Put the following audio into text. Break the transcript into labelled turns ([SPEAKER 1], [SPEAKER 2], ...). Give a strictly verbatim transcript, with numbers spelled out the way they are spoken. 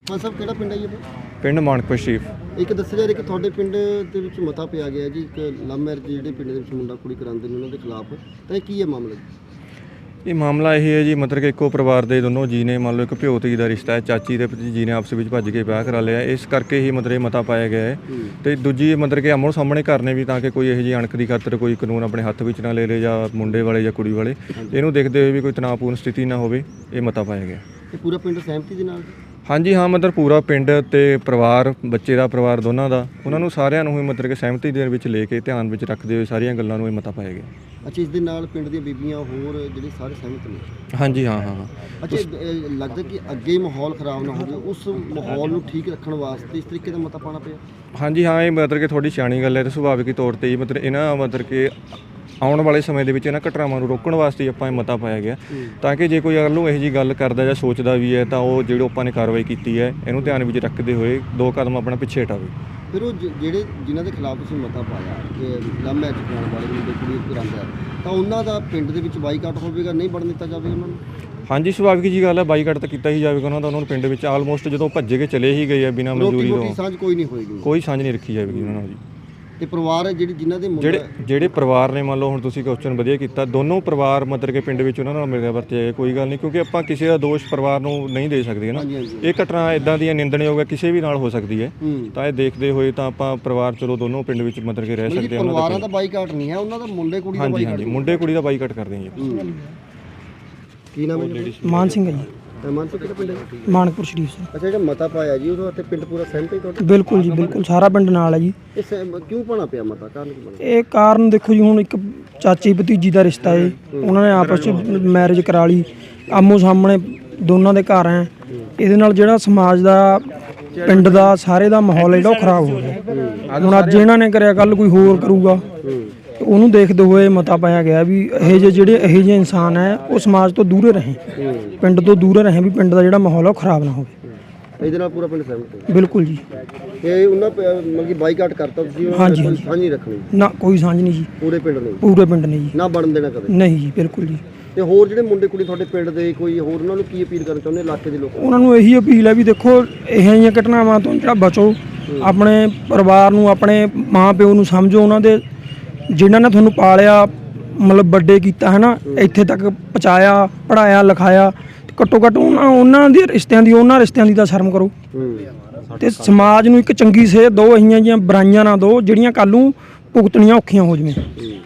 [SPEAKER 1] ਹਾਂ ਸਭ ਕਿਹੜਾ ਪਿੰਡ ਹੈ ਜੀ?
[SPEAKER 2] ਪਿੰਡ ਮਾਨਕਪੁਰ ਸ਼ਰੀਫ।
[SPEAKER 1] ਇੱਕ ਦੱਸਿਆ ਜਾ ਰਿਹਾ ਕਿ ਤੁਹਾਡੇ ਪਿੰਡ ਦੇ ਵਿੱਚ ਮਤਾ ਪਿਆ ਗਿਆ ਜੀ ਇੱਕ ਲਵ ਮੈਰਿਜ ਜਿਹੜੇ ਪਿੰਡ ਦੇ ਵਿੱਚ ਮੁੰਡਾ ਕੁੜੀ ਕਰਾਉਂਦੇ ਨੇ ਉਹਨਾਂ ਦੇ ਖਿਲਾਫ, ਤਾਂ ਇਹ ਕੀ ਹੈ ਮਾਮਲਾ ਜੀ?
[SPEAKER 2] ਇਹ ਮਾਮਲਾ ਇਹ ਹੈ ਜੀ, ਮਤਲਬ ਕਿ ਇੱਕੋ ਪਰਿਵਾਰ ਦੇ ਦੋਨੋਂ ਜੀ ਨੇ, ਮੰਨ ਲਓ ਇੱਕ ਭਿਓ ਧੀ ਦਾ ਰਿਸ਼ਤਾ ਹੈ, ਚਾਚੀ ਤੇ ਭਤੀਜੀ ਨੇ ਆਪਸ ਵਿੱਚ ਭੱਜ ਕੇ ਵਿਆਹ ਕਰਾ ਲਿਆ, ਇਸ ਕਰਕੇ ਹੀ ਮਤਲਬ ਇਹ ਮਤਾ ਪਾਇਆ ਗਿਆ ਹੈ। ਤੇ ਦੂਜੀ ਮਤਲਬ ਕਿ ਆਮੋ ਸਾਹਮਣੇ ਕਰਨੇ ਵੀ, ਤਾਂ ਕਿ ਕੋਈ ਇਹੋ ਜਿਹੀ ਅਣਖ ਦੀ ਖਾਤਰ ਕੋਈ ਕਾਨੂੰਨ ਆਪਣੇ ਹੱਥ ਵਿੱਚ ਨਾ ਲੈ ਲੇ, ਜਾਂ ਮੁੰਡੇ ਵਾਲੇ ਜਾਂ ਕੁੜੀ ਵਾਲੇ, ਇਹਨੂੰ ਦੇਖਦੇ ਹੋਏ ਵੀ ਕੋਈ ਤਣਾਅਪੂਰਨ ਸਥਿਤੀ ਨਾ ਹੋਵੇ, ਇਹ ਮਤਾ ਪਾਇਆ ਗਿਆ।
[SPEAKER 1] ਤੇ ਪੂਰਾ ਪਿੰਡ ਸਹਿਮਤੀ ਦੇ ਨਾਲ?
[SPEAKER 2] ਹਾਂਜੀ ਹਾਂ, ਮਤਲਬ ਪੂਰਾ ਪਿੰਡ ਤੇ ਪਰਿਵਾਰ, ਬੱਚੇ ਦਾ ਪਰਿਵਾਰ ਦੋਨਾਂ ਦਾ, ਉਹਨਾਂ ਨੂੰ ਸਾਰਿਆਂ ਨੂੰ ਹੀ ਮਤਲਬ ਕਿ ਸਹਿਮਤੀ ਦੇ ਵਿੱਚ ਲੈ ਕੇ ਧਿਆਨ ਵਿੱਚ ਰੱਖਦੇ ਹੋਏ ਸਾਰੀਆਂ ਗੱਲਾਂ ਨੂੰ ਇਹ ਮਤਾ ਪਾਇਆ ਗਿਆ।
[SPEAKER 1] ਅੱਛਾ, ਇਸ ਦੇ ਨਾਲ ਪਿੰਡ ਦੀਆਂ ਬੀਬੀਆਂ ਹੋਰ ਜਿਹੜੇ ਸਾਰੇ ਸਹਿਮਤ ਨੇ?
[SPEAKER 2] ਹਾਂਜੀ ਹਾਂ ਹਾਂ ਹਾਂ।
[SPEAKER 1] ਅੱਛਾ, ਇਹ ਲੱਗਦਾ ਕਿ ਅੱਗੇ ਮਾਹੌਲ ਖਰਾਬ ਨਾ ਹੋਵੇ, ਉਸ ਮਾਹੌਲ ਨੂੰ ਠੀਕ ਰੱਖਣ ਵਾਸਤੇ ਇਸ ਤਰੀਕੇ ਦਾ ਮਤਾ ਪਾਉਣਾ ਪਿਆ?
[SPEAKER 2] ਹਾਂਜੀ ਹਾਂ, ਇਹ ਮਤਲਬ ਕਿ ਥੋੜੀ ਸਿਆਣੀ ਗੱਲ ਹੈ ਤੇ ਸੁਭਾਵਿਕ ਤੌਰ ਤੇ ਹੀ ਮਤਲਬ ਇਹਨਾਂ ਮਤਲਬ ਕਿ ਆਉਣ ਵਾਲੇ ਸਮੇਂ ਦੇ ਵਿੱਚ ਇਹਨਾਂ ਘਟਨਾਵਾਂ ਨੂੰ ਰੋਕਣ ਵਾਸਤੇ ਆਪਾਂ ਇਹ ਮਤਾ ਪਾਇਆ ਗਿਆ, ਤਾਂ ਕਿ ਜੇ ਕੋਈ ਅਗਰ ਨੂੰ ਇਹੋ ਜਿਹੀ ਗੱਲ ਕਰਦਾ ਜਾਂ ਸੋਚਦਾ ਵੀ ਹੈ ਤਾਂ ਉਹ ਜਿਹੜੀ ਆਪਾਂ ਨੇ ਕਾਰਵਾਈ ਕੀਤੀ ਹੈ ਇਹਨੂੰ ਧਿਆਨ ਵਿੱਚ ਰੱਖਦੇ ਹੋਏ ਦੋ ਕਦਮ ਆਪਣਾ ਪਿੱਛੇ ਹਟਾਵੇ।
[SPEAKER 1] ਫਿਰ ਉਹ ਜਿਹੜੇ ਜਿਨ੍ਹਾਂ ਦੇ ਖਿਲਾਫ ਤੁਸੀਂ ਮਤਾ ਪਾਇਆ ਕਿ ਲਵ ਮੈਰਿਜ ਕਰਾਉਣ ਵਾਲੇ ਮੁੰਡੇ ਕੁੜੀ ਕਰਾਉਂਦਾ, ਤਾਂ ਉਹਨਾਂ ਦਾ ਪਿੰਡ ਦੇ ਵਿੱਚ ਬਾਈਕਾਟ ਹੋਵੇਗਾ, ਨਹੀਂ ਵੜਨ ਦਿੱਤਾ ਜਾਵੇਗਾ ਉਹਨਾਂ ਨੂੰ?
[SPEAKER 2] ਹਾਂਜੀ, ਸੁਭਾਵਿਕ ਜੀ ਗੱਲ ਹੈ, ਬਾਈਕਾਟ ਤਾਂ ਕੀਤਾ ਹੀ ਜਾਵੇਗਾ ਉਹਨਾਂ ਦਾ। ਉਹਨਾਂ ਨੂੰ ਪਿੰਡ ਵਿੱਚ ਆਲਮੋਸਟ ਜਦੋਂ ਭੱਜੇ ਕੇ ਚਲੇ ਹੀ ਗਏ ਆ ਬਿਨਾਂ ਮਨਜ਼ੂਰੀ ਤੋਂ,
[SPEAKER 1] ਸਾਂਝ ਕੋਈ ਨਹੀਂ ਹੋਏਗੀ,
[SPEAKER 2] ਕੋਈ ਸਾਂਝ ਨਹੀਂ ਰੱਖੀ ਜਾਵੇਗੀ ਉਹਨਾਂ ਨਾਲ ਜੀ।
[SPEAKER 1] ਤੇ ਪਰਿਵਾਰ ਹੈ ਜਿਹੜੀ ਜਿਨ੍ਹਾਂ ਦੇ
[SPEAKER 2] ਜਿਹੜੇ ਜਿਹੜੇ ਪਰਿਵਾਰ ਨੇ, ਮੰਨ ਲਓ ਹੁਣ ਤੁਸੀਂ ਕੁਐਸਚਨ ਵਧੀਆ ਕੀਤਾ, ਦੋਨੋਂ ਪਰਿਵਾਰ ਮਤਲਬ ਕਿ ਪਿੰਡ ਵਿੱਚ ਉਹਨਾਂ ਨਾਲ ਮਿਲਿਆ ਵਰਤਿਆ, ਕੋਈ ਗੱਲ ਨਹੀਂ, ਕਿਉਂਕਿ ਆਪਾਂ ਕਿਸੇ ਦਾ ਦੋਸ਼ ਪਰਿਵਾਰ ਨੂੰ ਨਹੀਂ ਦੇ ਸਕਦੇ ਨਾ। ਇਹ ਘਟਨਾ ਇਦਾਂ ਦੀਆਂ ਨਿੰਦਣਯੋਗ ਹੈ, ਕਿਸੇ ਵੀ ਨਾਲ ਹੋ ਸਕਦੀ ਹੈ, ਤਾਂ ਇਹ ਦੇਖਦੇ ਹੋਏ ਤਾਂ ਆਪਾਂ ਪਰਿਵਾਰ ਚਲੋ ਦੋਨੋਂ ਪਿੰਡ ਵਿੱਚ ਮਤਲਬ ਕਿ ਰਹਿ ਸਕਦੇ ਹਾਂ।
[SPEAKER 1] ਪਰਿਵਾਰਾਂ ਦਾ ਬਾਈਕਾਟ ਨਹੀਂ ਹੈ, ਉਹਨਾਂ ਦਾ ਮੁੰਡੇ ਕੁੜੀ ਦਾ ਬਾਈਕਾਟ।
[SPEAKER 2] ਹਾਂਜੀ ਹਾਂਜੀ, ਮੁੰਡੇ ਕੁੜੀ ਦਾ ਬਾਈਕਾਟ ਕਰਦੇ ਹਾਂ ਜੀ।
[SPEAKER 1] ਕੀ ਨਾਮ ਹੈ?
[SPEAKER 3] ਮਾਨ ਸਿੰਘ ਹੈ ਜੀ।
[SPEAKER 1] ਮਾਨਸਾ ਕਿਹੜਾ ਪਿੰਡ ਹੈ?
[SPEAKER 3] ਮਾਨਕਪੁਰ ਸ਼ਰੀਫ ਸਿੰਘ।
[SPEAKER 1] ਅੱਛਾ, ਜਿਹੜਾ ਮਤਾ ਪਾਇਆ ਜੀ ਉਹਦੇ ਉੱਤੇ ਪਿੰਡ ਪੂਰਾ ਸਹਿਮਤ ਹੈ ਤੁਹਾਡਾ?
[SPEAKER 3] ਬਿਲਕੁਲ ਜੀ, ਬਿਲਕੁਲ ਸਾਰਾ ਪਿੰਡ ਨਾਲ ਹੈ ਜੀ।
[SPEAKER 1] ਇਹ ਸਹਿਮ- ਕਿਉਂ ਪਾਉਣਾ ਪਿਆ ਮਤਾ, ਕਾਰਨ ਕੀ ਬਣਿਆ?
[SPEAKER 3] ਇਹ ਕਾਰਨ ਦੇਖੋ ਜੀ, ਹੁਣ ਇੱਕ ਚਾਚੀ ਭਤੀਜੀ ਦਾ ਰਿਸ਼ਤਾ ਹੈ, ਉਹਨਾਂ ਨੇ ਆਪਸ ਵਿੱਚ ਮੈਰਿਜ ਕਰਾ ਲਈ, ਆਮੋ ਸਾਹਮਣੇ ਦੋਨਾਂ ਦੇ ਘਰ ਹੈ। ਇਹਦੇ ਨਾਲ ਜਿਹੜਾ ਸਮਾਜ ਦਾ, ਪਿੰਡ ਦਾ, ਸਾਰੇ ਦਾ ਮਾਹੌਲ ਜਿਹੜਾ ਉਹ ਖਰਾਬ ਹੋ ਗਿਆ। ਹੁਣ ਅੱਜ ਇਹਨਾਂ ਨੇ ਕਰਿਆ, ਕੱਲ ਕੋਈ ਹੋਰ ਕਰੂਗਾ, ਉਹਨੂੰ ਦੇਖਦੇ ਹੋਏ ਮਤਾ ਪਾਇਆ ਗਿਆ ਵੀ ਇਹ ਜਿਹੇ ਜਿਹੜੇ ਇਹੋ ਜਿਹੇ ਇਨਸਾਨ ਹੈ ਉਹ ਸਮਾਜ ਤੋਂ ਦੂਰੇ ਰਹੇ, ਪਿੰਡ ਤੋਂ ਦੂਰੇ ਰਹੇ, ਵੀ ਪਿੰਡ ਦਾ ਜਿਹੜਾ ਮਾਹੌਲ ਹੈ ਉਹ ਖਰਾਬ ਨਾ ਹੋਵੇ।
[SPEAKER 1] ਇਹਦੇ ਨਾਲ ਪੂਰਾ ਪਿੰਡ ਸਹਿਮਤ ਹੈ?
[SPEAKER 3] ਬਿਲਕੁਲ ਜੀ।
[SPEAKER 1] ਇਹ ਉਹਨਾਂ ਮਤਲਬ ਕਿ ਬਾਈਕਾਟ ਕਰਤਾ ਤੁਸੀਂ?
[SPEAKER 3] ਹਾਂਜੀ
[SPEAKER 1] ਕੋਈ ਸਾਂਝ ਨਹੀਂ ਰੱਖਣੀ?
[SPEAKER 3] ਨਾ, ਕੋਈ ਸਾਂਝ ਨਹੀਂ ਜੀ,
[SPEAKER 1] ਪੂਰੇ ਪਿੰਡ ਨੇ? ਪੂਰੇ
[SPEAKER 3] ਪੂਰੇ ਪਿੰਡ ਨੇ ਜੀ,
[SPEAKER 1] ਨਾ ਬਣਨ ਦੇਣਾ ਕਦੇ?
[SPEAKER 3] ਨਹੀਂ ਜੀ, ਬਿਲਕੁਲ ਜੀ।
[SPEAKER 1] ਤੇ ਹੋਰ ਜਿਹੜੇ ਮੁੰਡੇ ਕੁੜੀ ਤੁਹਾਡੇ ਪਿੰਡ ਦੇ, ਕੋਈ ਹੋਰ ਉਹਨਾਂ ਨੂੰ ਕੀ ਅਪੀਲ ਕਰਨਾ ਚਾਹੁੰਦੇ ਇਲਾਕੇ ਦੇ ਲੋਕਾਂ ਨੂੰ?
[SPEAKER 3] ਉਹਨਾਂ ਨੂੰ ਇਹੀ ਅਪੀਲ ਹੈ ਵੀ ਦੇਖੋ, ਇਹੋ ਜਿਹੀਆਂ ਘਟਨਾਵਾਂ ਤੋਂ ਜਿਹੜਾ ਬਚੋ, ਆਪਣੇ ਪਰਿਵਾਰ ਨੂੰ, ਆਪਣੇ ਮਾਂ ਪਿਓ ਨੂੰ ਸਮਝੋ, ਉਹਨਾਂ ਦੇ ਜਿਨ੍ਹਾਂ ਨੇ ਤੁਹਾਨੂੰ ਪਾਲਿਆ, ਮਤਲਬ ਵੱਡੇ ਕੀਤਾ ਹੈ ਨਾ, ਇੱਥੇ ਤੱਕ ਪਹੁੰਚਾਇਆ, ਪੜ੍ਹਾਇਆ ਲਿਖਾਇਆ, ਘੱਟੋ ਘੱਟ ਉਹਨਾਂ ਉਹਨਾਂ ਦੇ ਰਿਸ਼ਤਿਆਂ ਦੀ ਉਹਨਾਂ ਰਿਸ਼ਤਿਆਂ ਦੀ ਤਾਂ ਸ਼ਰਮ ਕਰੋ, ਤੇ ਸਮਾਜ ਨੂੰ ਇੱਕ ਚੰਗੀ ਸੇਧ ਦਿਓ, ਇਹੀਆਂ ਜਿਹੀਆਂ ਬੁਰਾਈਆਂ ਨਾ ਦਿਓ ਜਿਹੜੀਆਂ ਕੱਲ੍ਹ ਨੂੰ ਭੁਗਤਣੀਆਂ ਔਖੀਆਂ ਹੋ ਜਾਵੇ।